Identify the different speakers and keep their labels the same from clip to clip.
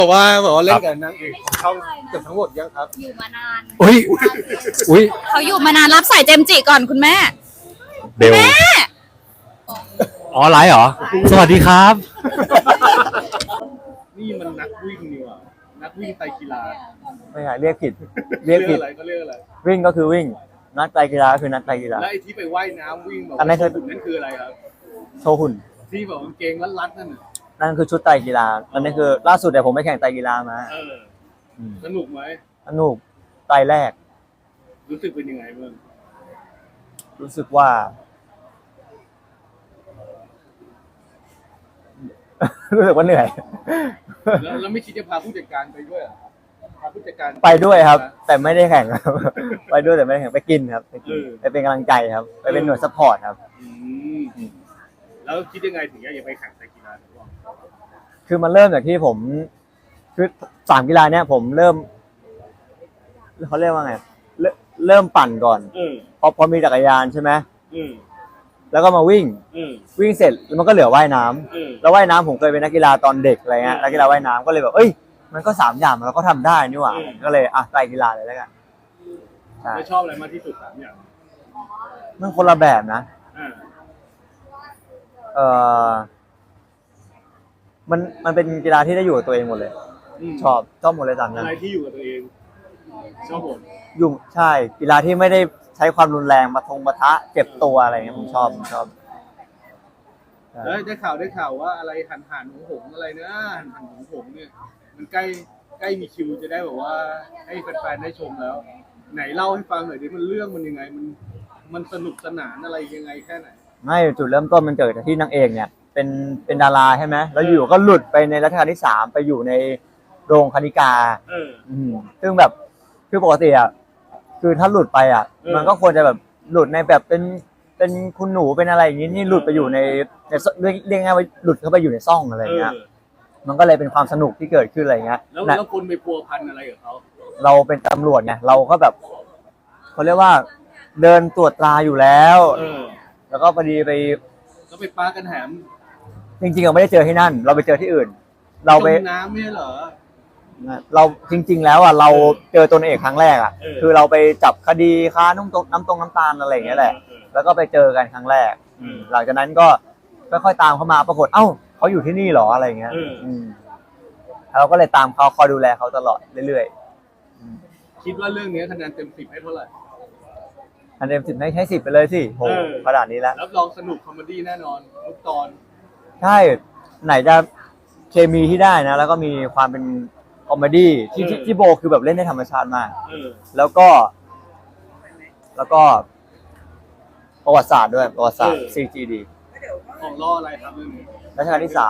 Speaker 1: บอกว่าเล่นกับนางเอกช่องเกือบทั้งหมดยังครับ
Speaker 2: อยู่มานาน
Speaker 3: อุ้ย
Speaker 2: เขาอยู่มานานรับสายเจมส์จิก่อนคุณแม่
Speaker 3: เบลอ๋อไลฟ์เหรอสวัสดีครับ
Speaker 1: นี่มันนักวิ่งนี่หว่านักวิ่งไตรกีฬา
Speaker 3: ไม่ใช่เรียกผิดเรียกผิด
Speaker 1: อะไรก็เรียกอะไร
Speaker 3: วิ่งก็คือวิ่งนัดไตรกีฬาคือนัดไตรกีฬา
Speaker 1: แล้วไอ้ที่ไปว่ายน้ำวิ่งแบบ
Speaker 3: อันนั้นคือ
Speaker 1: นั่นคืออะไรครับ
Speaker 3: โชว์หุ่น
Speaker 1: ที่แบบกางเกงรัดๆนั่นน่ะ
Speaker 3: นั่นคือชุดไตรกีฬาอันนี้คือล่าสุดเดี๋ยวผมไปแข่งไตรกีฬามา
Speaker 1: สนุกไหม
Speaker 3: สนุกไตรแรก
Speaker 1: รู้สึกเป็นยังไงบ้าง
Speaker 3: รู้สึกว่า รู้สึกว่าเหนื่อย
Speaker 1: แล้วไม่คิดจะพาผู้จัดการไปด้วยเหรอพาผู้จัดการ
Speaker 3: ไปด้วยครับ แต่ไม่ได้แข่งครับ ไปด้วยแต่ไม่ได้แข่งไปกินครับไปกินไปเป็นกำลังใจครับ ไปเป็นหน่วยซัพพอร์ตครับ
Speaker 1: แล้วคิดยังไงถึงอยากจะไปแข่งไตรกีฬาหรือเปล่า
Speaker 3: คือมันเริ่มจากที่ผมคือ3กีฬาเนี้ยผมเริ่มเขาเรียกว่าไงเริ่มปั่นก่อนพอมีจักรยานใช่ไหมแล้วก็มาวิ่งเสร็จแล้วมันก็เหลือว่ายน้ำแล้วว่ายน้ำผมเคยเป็นนักกีฬาตอนเด็กอะไรเงี้ยนักกีฬาว่ายน้ำก็เลยแบบเอ้ยมันก็3อย่างเราก็ทำได้นี่หว่าก็เลยไตรกีฬาเลยแล้วกัน
Speaker 1: ไม่ชอบอะไรมากที่สุด3อย่าง
Speaker 3: มันคนละแบบนะมันเป็นกีฬาที่ได้อยู่กับตัวเองหมดเลยชอบหมดเลย3อย่าง
Speaker 1: อะไรที่อยู่กับตัวเองชอบหมด
Speaker 3: อยู่ใช่กีฬาที่ไม่ได้ใช้ความรุนแรงมาปะทะเจ็บตัวอะไรเงี้ยผมชอบ
Speaker 1: แล้วได้ข่าวว่าอะไรหันหงอะไรนะหันหงเนี่ยมันใกล้มีคิวจะได้แบบว่าให้แฟนๆได้ชมแล้วไหนเล่าให้ฟังหน่อยดิมันเรื่องมันยังไงมันสนุกสนานอะไรยังไงแค่ไหน
Speaker 3: ไม่จุดเริ่มต้นมันเกิดจากที่นางเอกเนี่ยเป็นดาราใช่ไหมแล้วอยู่ก็หลุดไปในรัชกาลที่3ไปอยู่ในโรงคณิกาซึ่งแบบคือปกติอ่ะคือถ้าหลุดไปอ่ะมันก็ควรจะแบบหลุดในแบบเป็นคุณหนูเป็นอะไรอย่างนี้นี่หลุดไปอยู่ในเรียกง่ายว่าหลุดเข้าไปอยู่ในซ่องอะไรอย่างเงี้ยมันก็เลยเป็นความสนุกที่เกิดขึ้นอะไรเงี้ย
Speaker 1: แล้วคุณไปพัวพันอะไรกับเขา
Speaker 3: เราเป็นตำรวจไงเราก็แบบเขาเรียกว่าเดินตรวจตราอยู่แล้วแล้วก็พอดีไป
Speaker 1: ปากันแหม
Speaker 3: จริงๆเราไม่ได้เจอที่นั่นเราไปเจอที่อื่นเราไป
Speaker 1: น้ำไม่เหรอ
Speaker 3: เราจริงๆแล้วอ่ะเราเจอตัวเอกครั้งแรกอ่ะคือเราไปจับคดีค้าน้ำตาลอะไรอย่างเงี้ยแหละแล้วก็ไปเจอกันครั้งแรกหลังจากนั้นก็ค่อยๆตามเขามาปรากฏเอ้าเขาอยู่ที่นี่หรออะไรเงี้ยเราก็เลยตามเขาคอยดูแลเขาตลอดเรื่อย
Speaker 1: ๆคิดว่าเรื่องนี้คะแนนเต็ม10ให้เท่าไหร่
Speaker 3: คะแนน10ให้10ไปเลยสิโหขนาดนี้แล้ว
Speaker 1: รับรองสนุกคอมเมดี้แน่นอนทุกตอน
Speaker 3: ใช่ไหนจะเคมีที่ได้นะแล้วก็มีความเป็นคอมเมดี้ที่โบคือแบบเล่นได้ธรรมชาติมากแล้วก็ประวัติศาสตร์ด้วยประวัติศาสตร์ CGD
Speaker 1: ของล่ออะไรครับเรื่องนี้
Speaker 3: รัชกาลที่3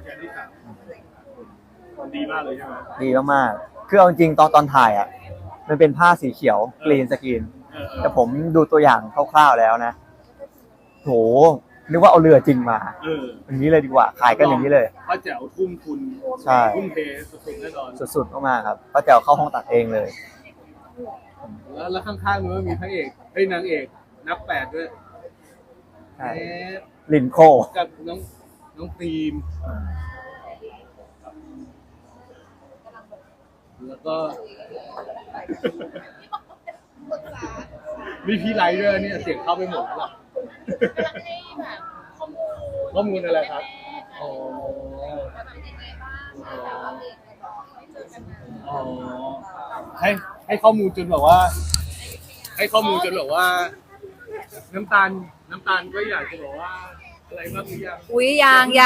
Speaker 1: ดีมากเลยใช่ไหม
Speaker 3: ดีมากๆคือเอาจริงตอนถ่ายอ่ะมันเป็นผ้าสีเขียวกรีนสกรีนแต่ผมดูตัวอย่างคร่าวๆแล้วนะโหนึกว่าเอาเรือจริงมาอย่างนี้เลยดีกว่าขายกันอย่างนี้เลย
Speaker 1: ป้าแจ๋วทุ่มทุน
Speaker 3: ใช่
Speaker 1: ทุ่มเทสุดๆแน่นอน
Speaker 3: สุดๆมากๆครับป้าแจ๋วเข้าห้องตัดเองเลย
Speaker 1: แล้วข้างๆมันมีพระเอกนางเอกนับ8ด้วย
Speaker 3: ใช่ลินโค
Speaker 1: กับน้องตีมแล้วก็มีพี่ไลท์ด้วยเนี่ยเสียงเข้าไปหมดแล้วล่ะข้อมูลอะไรครับให้ข้อมูลจนแบบว่าน้ำตาลก็อยากจะบอกว่าอะไรบ้างหรือยัง
Speaker 2: อุ้ยยาง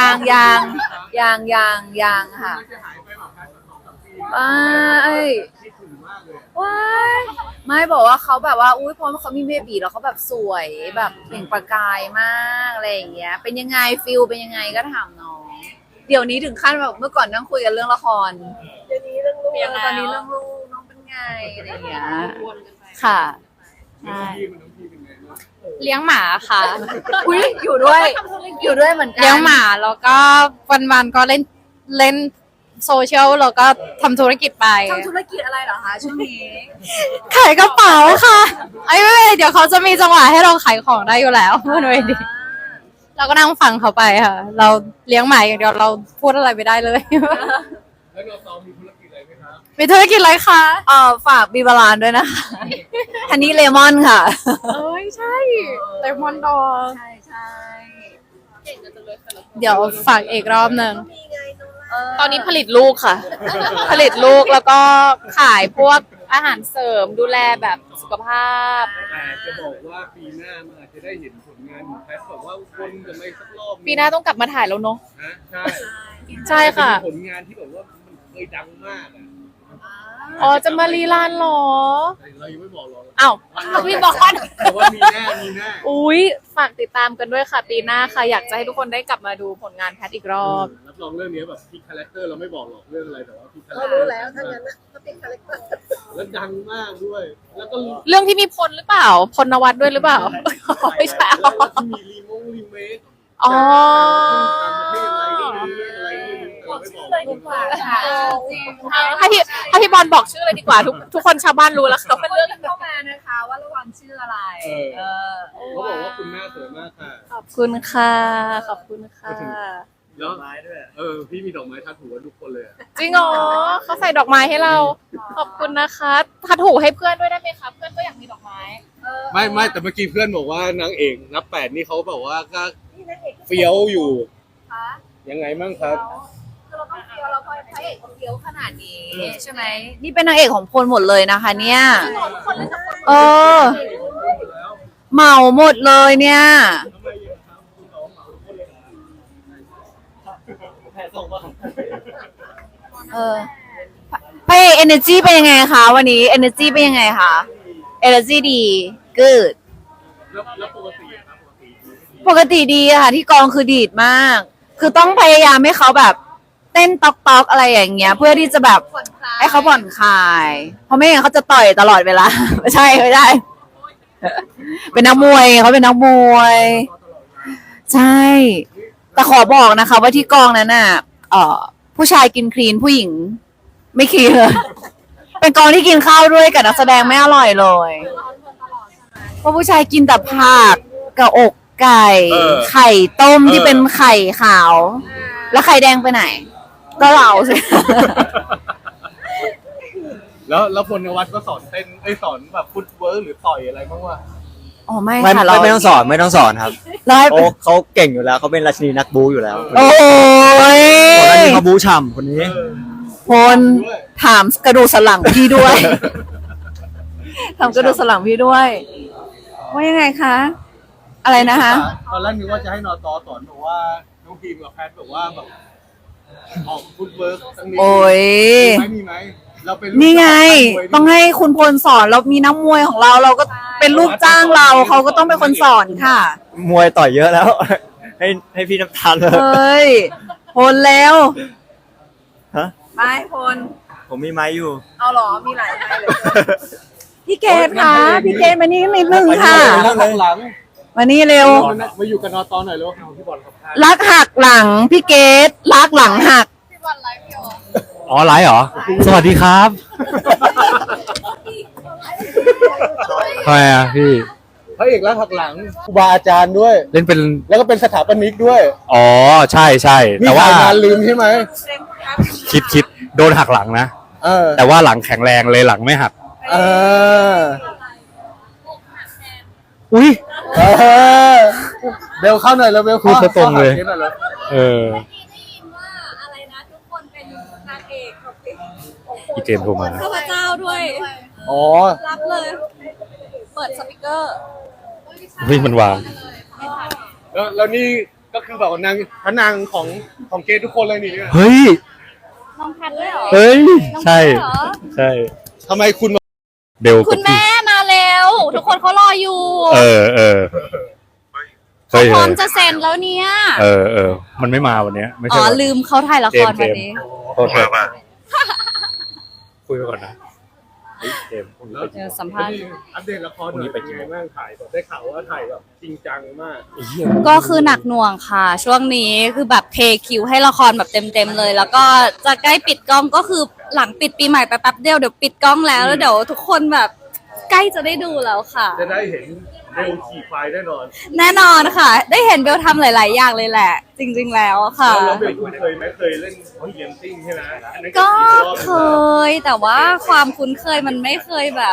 Speaker 2: ค่ะว้ายไม่บอกว่าเขาแบบว่าอุ้ยพอเขามีเบบีแล้วเขาแบบสวยแบบเปล่งประกายมากอะไรอย่างเงี้ยเป็นยังไงฟิลเป็นยังไงก็ถามน้องเดี๋ยวนี้ถึงขั้นแบบเมื่อก่อนนั่งคุยกันเรื่องละครเดี๋ยวนี้เรื่องลูกตอนนี้เรื่องลูกน้องเป็นไงอะไรอย่างเงี้ยค่ะใช่
Speaker 4: เลี้ยงหมาค่ะ
Speaker 2: อุ้ยอยู่ด้วยเหมือนกัน
Speaker 4: เลี้ยงหมาแล้วก็วันๆก็เล่นโซเชียลแล้วก็ทำธุรกิจไป
Speaker 2: ทำธุรกิจอะไรเหรอคะช่วงนี้
Speaker 4: ขายกระเป๋าค่ะไม่เดี๋ยวเขาจะมีจังหวะให้เราขายของได้อยู่แล้วพูดไว้ดีเราก็นั่งฟังเขาไปค่ะเราเลี้ยงหมาอย่างเดียวเราพูดอะไรไม่ได้เลย
Speaker 1: แแล้วเราซ้อมมีธุรกิจอะไรไหมครับ
Speaker 4: มีธุรกิจอะไรคะ
Speaker 2: ฝากบีบาลานด้วยนะคะฮันนี่เลมอนค่ะ
Speaker 4: เอ้ยใช่เลมอนดอง
Speaker 2: ใช่ใช่
Speaker 4: เดี๋ยวฝากอีกรอบหนึ่งตอนนี้ผลิตลูกค่ะ ผลิตลูกแล้วก็ขายพวกอาหารเสริมดูแลแบบสุขภาพ
Speaker 1: แต่จะบอกว่าปีหน้ามันอาจจะได้เห็นผลงานของแพทแบบว่าวนกันไปสักรอบ
Speaker 4: ปีหน้าต้องกลับมาถ่ายแล้วเนาะ
Speaker 1: นะใช่
Speaker 4: ใช่ค่ะ
Speaker 1: เป็นผลงานที่แบบว่ามันเคยดังมากอ่ะ
Speaker 4: อ๋อจะมารีลานเหรอ
Speaker 1: แต่เรายังไม่บอกหรอก
Speaker 4: อ้าวพี่บอกก่อน
Speaker 1: แต่ว่ามีแน่มีแน่
Speaker 4: อุ้ยฝากติดตามกันด้วยค่ะ ปีหน้าค่ะ อยากจะให้ทุกคนได้กลับมาดูผลงานแพทอีกรอบ
Speaker 1: รับรองเรื่องนี้แบบพี่คาแรคเตอร์เราไม่บอกหรอกเรื่องอะไรแต่ว่าพี่คาแรค
Speaker 5: เรา
Speaker 1: เตอ
Speaker 5: รู้
Speaker 1: ร์
Speaker 5: แล้วถ้างั้นนะก็เป็นคาแรคเตอร์
Speaker 1: แล้วดังมากด้วย แล้วก็
Speaker 4: เรื่องที่มีพลหรือเปล่า พลนวัตด้วยหรือเปล่า ไม่ใช่
Speaker 1: แล้วก็ที่มีรีเมค
Speaker 4: อ๋อ
Speaker 1: ต่างประเทศอะไรก็มีอะไรก็มีเราไม่บอก
Speaker 4: ให้พี่บอลบอกชื่อเลยดีกว่า ทุกคนชาวบ้านรู้แล้วเขาเป็นเรื่อง
Speaker 2: เข้ามานะคะว่าระวังชื่ออะไร
Speaker 1: เขาบอกว่าคุณหน้าสวยมากค่ะ
Speaker 4: ขอบคุณค่ะ ขอบคุณค่ะ
Speaker 1: แล้วพี่มีดอกไม้ทัดหัวทุกคนเลยอะ
Speaker 4: จริงเหรอเขาใส่ดอกไม้ให้เรา ขอบคุณนะคะทัดหูให้เพื่อนด้วยได้ไหมคะ เพื่อนก็อยากมีดอกไม้
Speaker 1: ไม่แต่เมื่อกี้เพื่อนบอกว่านางเอกนับแปดนี่เขาแบบว่าก็เฟี้ยวอยู่ ยังไงมั่งครับ
Speaker 2: คือเราต้องเฟี้ยวเราพระเอกเขาเฟี้ยวขนาดนี้ใช่ไหมนี่เป็นนางเอกของพลหมดเลยนะคะ เนี่ยเออเหมาหมดเลยเนี่ยเออพระเอก energy เป็นยังไงคะวันนี้ energy เป็นยังไงคะ energy ดี good
Speaker 1: แล้วปกติอะครับ
Speaker 2: ปกติดีอะค่ะที่กองคือดีดมาก คือต้องพยายามให้เขาแบบเต้นต๊อกๆอะไรอย่างเงี้ย เพื่อที่จะแบบให้เขาผ่อนคลาย เพราะไม่งั้นเขาจะต่อยตลอดเวลา ไม่ใช่ไม่ได้ เป็นนักมวยเขาเป็นนักมวย ใช่ แต่ขอบอกนะคะ ว่าที่กองนั้นน่ะผู้ชายกินคลีนผู้หญิง ไม่คลีนเลย เป็นกองที่กินข้าวด้วยกับนักแสดงไม่อร่อยเลยเพราะผู้ชายกินแต่ผักกับอกไก่ ไข่ต้มที่เป็นไข่ขาว แล้วไข่แดงไปไหน ก็เราสิ
Speaker 1: แล้วพลนวัตก็สอนเต้นสอนแบบฟุตเวิร์กหรือต่อยอะไรบ้างวะ
Speaker 2: อ๋อไม่
Speaker 3: ไม่
Speaker 2: ค่ะเรา
Speaker 3: ไม่ต้องสอนไม่ต้องสอนครับ
Speaker 2: เราให้
Speaker 3: เขาเก่งอยู่แล้วเขาเป็นราชินีนักบูอยู่แล้ว
Speaker 2: โอ้ย
Speaker 3: คนนั้นนี่เขาบูฉ่ำคนนี้
Speaker 2: พลถามกระดูกสันหลังพี่ด้วย ถามกระดูกสันหลังพี่ด้วย ว่ายังไงคะ อะไรนะคะ
Speaker 1: ตอนแรกนึกว่าจะให้นอตอสอนบอกว่าน้องพีมกับแพทบอกว่าแบบออกฟุตเวิร์กสักนิด
Speaker 2: โอ้ย
Speaker 1: มีไหมเราเป็นลูก
Speaker 2: นี่ไง
Speaker 1: มวย
Speaker 2: ต้องให้คุณพลสอนเรามีนักมวยของเรา เราก็เป็นลูกจ้างเรา เขาก็ต้องเป็นคนสอนค่ะ
Speaker 3: มวยต่อยเยอะแล้ว ให้พี่น้ำตาลเลย
Speaker 2: เฮ้ย พลแล้ว
Speaker 3: ฮะ
Speaker 2: ไม่พล
Speaker 3: ผมมีไม้อยู่
Speaker 2: เอาหรอ มีหลายไม้เลย พี่เกดคะพี่เกดมานี่นิดนึงค่ะ
Speaker 1: แล้วข้างหลัง
Speaker 2: มานี่เร็ว
Speaker 1: มาอยู่กับนอตอหน่อยแล้วพี่บอลครับ
Speaker 2: รักหักหลัง พี่เกดรักหลังหัก
Speaker 6: อ๋อไลฟ์เหรอ สวัสดีครับทำไมอ่ะพี่
Speaker 1: พระเอกรักหักหลังครูบาอาจารย์ด้วย
Speaker 6: เล่นเป็น
Speaker 1: แล้วก็เป็นสถาปนิกด้วย
Speaker 6: อ๋อใช่ใช่
Speaker 1: นี่
Speaker 6: แต่ว่า
Speaker 1: ถ่ายงานลืมใช่ไหม
Speaker 6: คิดโดนหักหลังนะ
Speaker 1: เออ
Speaker 6: แต่ว่าหลังแข็งแรงเลยหลังไม่หัก
Speaker 1: เออ
Speaker 6: อุ้ย
Speaker 1: เออเบลเข้าหน่อยแล้วเบล
Speaker 6: พูดซะตรงเลย
Speaker 1: ข้าหาคสหน่อแล้ว
Speaker 6: เออ
Speaker 5: อะไรนะทุกคนเป็นนางเอกของเพลง
Speaker 6: พี่เจมส์โทรมา
Speaker 5: ข้าพเจ้าด้วย
Speaker 1: อ๋อ
Speaker 5: รับเลย เปิดสปีกเกอร์
Speaker 6: เฮ้ยมันวาง
Speaker 1: แล้วนี่ก็คือแบบว่านางพระนางของเกย์ทุกคนเลยนี่เนี่ย
Speaker 6: เฮ้ย
Speaker 5: น้องแพทด้วยเหรอ
Speaker 6: เฮ้ย ใช่
Speaker 5: น้องแพทเหรอ
Speaker 6: ใช่
Speaker 1: ทำไมคุณ
Speaker 6: เบล
Speaker 5: คุณแม่มาเร็ว ทุกคนเขารออยู่
Speaker 6: เออเฮ้ย
Speaker 5: พร้อมจะเซ็นแล้วเนี่ย
Speaker 6: เออ มันไม่มาวันเนี้ยไม่
Speaker 5: อ๋
Speaker 6: ใช่
Speaker 5: อ
Speaker 6: วัน
Speaker 5: ลืมเขาถ่ายละครวันนี้
Speaker 6: โทษคุยไปก่อนนะเฮ้ยเจมส์พรุ่งนี้ไปกิน
Speaker 5: สัมภาษณ์
Speaker 1: อัปเดตละครหน่อยเป็นไงบ้างถ่ายแบบได้ข่าวว่าถ่ายแบบจริงจังมาก
Speaker 5: ก็คือหนักหน่วงค่ะ ช่วงนี้คือแบบเทคิวให้ละครแบบเต็มๆเลย แล้วก็จะใกล้ปิดกล้องก็คือหลังปิดปีใหม่ไปแป๊บเดียวเดี๋ยวปิดกล้องแล้วเดี๋ยวทุกคนแบบใกล้จะได้ดูแล้วค่ะ
Speaker 1: จะได้เห็นเบลขี่ควายแน่นอน
Speaker 5: แน่นอนค่ะ ได้เห็นเบลทำหลาย ๆ อย่างเลยแหละ จริง ๆ แล้วค่ะ
Speaker 1: แล้วเบลคุ้นเคยไหมเคยเล่นเรียมติ้งใช่ไหมอันนั้น
Speaker 5: ก็
Speaker 1: ขี่รอบ
Speaker 5: เคยแต่ว่าความคุ้นเคยมันไม่เคยแบบ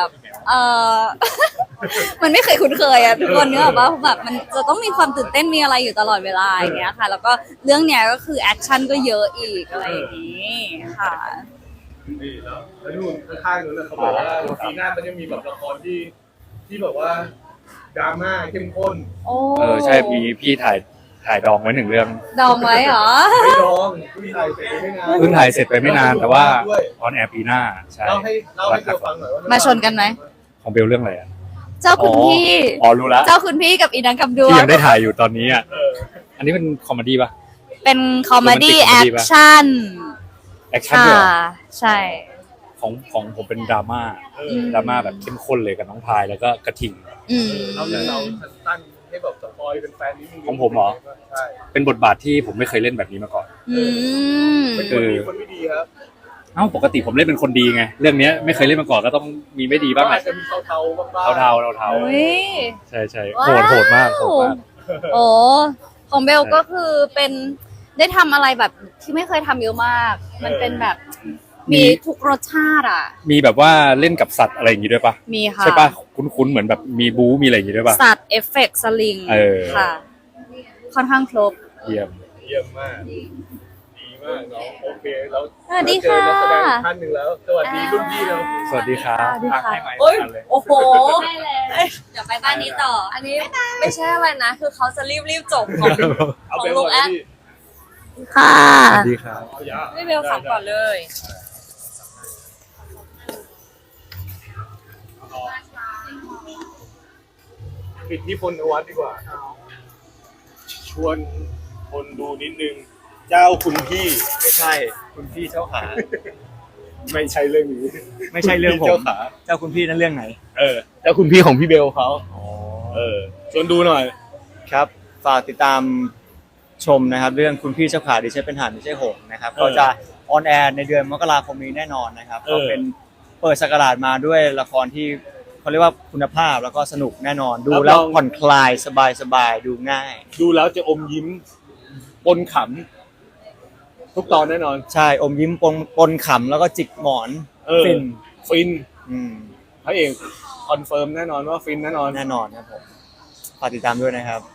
Speaker 5: มันไม่เคยคุ้นเคยอะทุกคนเนื้ออกว่าแบบมันจะต้องมีความตื่นเต้นมีอะไรอยู่ตลอดเวลาอย่างเงี้ยค่ะ แล้วก็เรื่องเนี้ยก็คือแอคชั่นก็เยอะอีกอะไรอย่างนี้ค่ะ
Speaker 1: นี่แล้วนู่นข้างๆนู้นนะเขาบอกว่าปีหน้ามันจะมีแบบละครที่แบบว่าดราม่าเข้มข้น
Speaker 5: โอ้
Speaker 6: ใช่มีพี่ถ่ายดองไว้1 เรื่อง
Speaker 5: ดองไว้เหรอ
Speaker 1: ไม่ร้องพี่ถ่ายเสร็จไปไม่นาน
Speaker 6: เพิ่งถ่ายเสร็จไปไม่นานแต่ว่าออนแอร์ปีหน้าใช่
Speaker 1: เล่าให้เบลฟังหน่อยว่า
Speaker 5: มา
Speaker 1: มา
Speaker 5: ชนกันไหม
Speaker 6: ของเบลเรื่องอะไรอ่ะ
Speaker 5: เจ้าคุณพี่
Speaker 6: อ๋อรู้ละ
Speaker 5: เจ้าคุณพี่กับอีนังกับดว
Speaker 6: ที่
Speaker 5: ง
Speaker 6: ยังได้ถ่ายอยู่ตอนนี้อ่ะอันนี้เป็นคอมเมดี้ป่ะ
Speaker 5: เป็นคอมเมดี้
Speaker 6: Romantic
Speaker 5: แอ
Speaker 6: comedy
Speaker 5: ค
Speaker 6: ปะ
Speaker 5: ชั่น
Speaker 6: แอคชั่น
Speaker 5: ค่ะ
Speaker 6: ด้วยเหรอ
Speaker 5: ใช่
Speaker 6: ของผมเป็นดราม่าดราม่าแบบเข้มข้นเลยกับน้องพายแล้วก็กระทิง
Speaker 5: อืม
Speaker 1: เราสั้นๆให้แบบสปอยเป็นแฟนนิดนึง
Speaker 6: ของผมเหรอ
Speaker 1: ใช่
Speaker 6: เป็นบทบาทที่ผมไม่เคยเล่นแบบนี้มาก่อน
Speaker 5: อืม
Speaker 1: เป็นคนดีคนไม่ดีครับ
Speaker 6: เอ้าปกติผมเล่นเป็นคนดีไงเรื่องเนี้ยไม่เคยเล่นมาก่อนก็ต้องมีไม่ดีบ้างแห
Speaker 1: อา
Speaker 6: ละ
Speaker 1: จจะมีเทาๆบ้างๆ
Speaker 6: เทา
Speaker 5: อุ้ย
Speaker 6: ใช่ใช่
Speaker 5: ว้าว
Speaker 6: โหดมากโหดมาก
Speaker 5: โอ้ของเบลก็คือเป็นได้ทำอะไรแบบที่ไม่เคยทำเยอะมาก มันเป็นแบบมีทุกรสชาติอ่ะ
Speaker 6: มีแบบว่าเล่นกับสัตว์อะไรอย่างงี้ด้วยปะ
Speaker 5: มีค่ะ
Speaker 6: ใช่ปะคุ้นๆเหมือนแบบมีบู๊มีอะไรอย่างงี้ด้วยปะ
Speaker 5: สัตว์เอฟเฟกต์สลิง
Speaker 6: เออ
Speaker 5: ค่ะ ค่อนข้างครบ
Speaker 6: เยี่ยม
Speaker 1: เยี่ยมมาก ดีมากน้องโอเคแล้ว
Speaker 5: สวัสดีค่ะ
Speaker 1: เจอนักแสดงอีกท่านหนึ่งแล้ว สวัสดีรุ่นพี่เรา
Speaker 6: สวัสดีครับ
Speaker 5: สวัสดีค่ะ
Speaker 6: ให้ไมค์
Speaker 2: โอ้ย
Speaker 6: ทันเลย
Speaker 2: โอ้โห
Speaker 5: เดี๋ยวไปบ้านนี้ต่อ
Speaker 2: อันนี้ไม่ใช่อะไรนะ คือเขาจะรีบจบของ
Speaker 1: เอา
Speaker 2: ของ
Speaker 1: เป็น
Speaker 2: ลูก
Speaker 1: ว่า
Speaker 2: แอด
Speaker 1: พี่
Speaker 5: ค่ะ
Speaker 6: สวัสดีครับ
Speaker 1: เอาอย่า
Speaker 2: ไม่เบลขับก่อนเลย
Speaker 1: ปิดที่พลนวัตดีกว่า ชวนคนดูนิดนึง เจ้าคุณพี่ไม่ใช่ คุณพี่เจ้าขา ไม่ใช่เรื่องนี้
Speaker 3: ไม่ใช่เรื่องผม
Speaker 1: เจ้าขา
Speaker 3: เจ้าคุณพี่นั่นเรื่องไหน
Speaker 1: เจ้าคุณพี่ของพี่เบลเขาชวนดูหน่อย
Speaker 3: ครับฝากติดตามชมนะครับ เรื่องคุณพี่เจ้าขาดิฉันเป็นห่านไม่ใช่หงส์นะครับ
Speaker 1: เออ
Speaker 3: ก็จะออนแอร์ในเดือนมกราคมนี้แน่นอนนะครับ
Speaker 1: เออ
Speaker 3: ก็เป็นเปิดสักราชมาด้วยละครที่เขาเรียกว่าคุณภาพแล้วก็สนุกแน่นอน ดูแล้วผ่อนคลายสบายๆดูง่าย
Speaker 1: ดูแล้วจะอมยิ้มปนขำทุกตอนแน่นอน
Speaker 3: ใช่อมยิ้มปนขำแล้วก็จิกหมอน ฟิน
Speaker 1: ฟิน
Speaker 3: อืม
Speaker 1: พระเอกคอนเฟิร์มแน่นอนว่าฟินแน่นอน
Speaker 3: แน่นอนครับผมฝากติดตามด้วยนะครับ